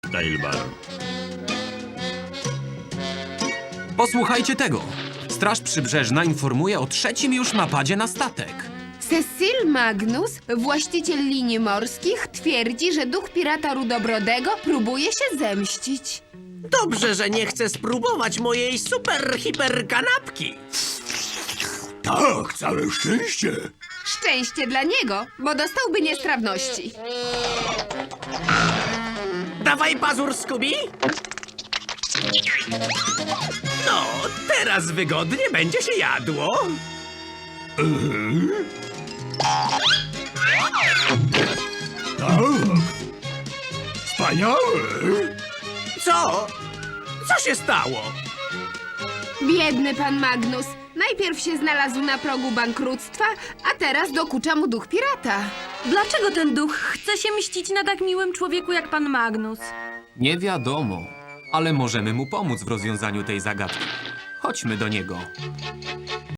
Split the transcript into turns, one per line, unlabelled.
Tailbar.
Posłuchajcie tego. Straż Przybrzeżna informuje o trzecim już napadzie na statek.
Cecil Magnus, właściciel linii morskich, twierdzi, że duch pirata Rudobrodego próbuje się zemścić.
Dobrze, że nie chce spróbować mojej super kanapki.
Tak, całe szczęście.
Szczęście dla niego, bo dostałby niestrawności.
Dawaj pazur, Scooby. No, teraz wygodnie będzie się jadło.
Tak. Wspaniałe.
Co? Co się stało?
Biedny pan Magnus. Najpierw się znalazł na progu bankructwa, a teraz dokucza mu duch pirata.
Dlaczego ten duch chce się mścić na tak miłym człowieku jak pan Magnus?
Nie wiadomo, ale możemy mu pomóc w rozwiązaniu tej zagadki. Chodźmy do niego.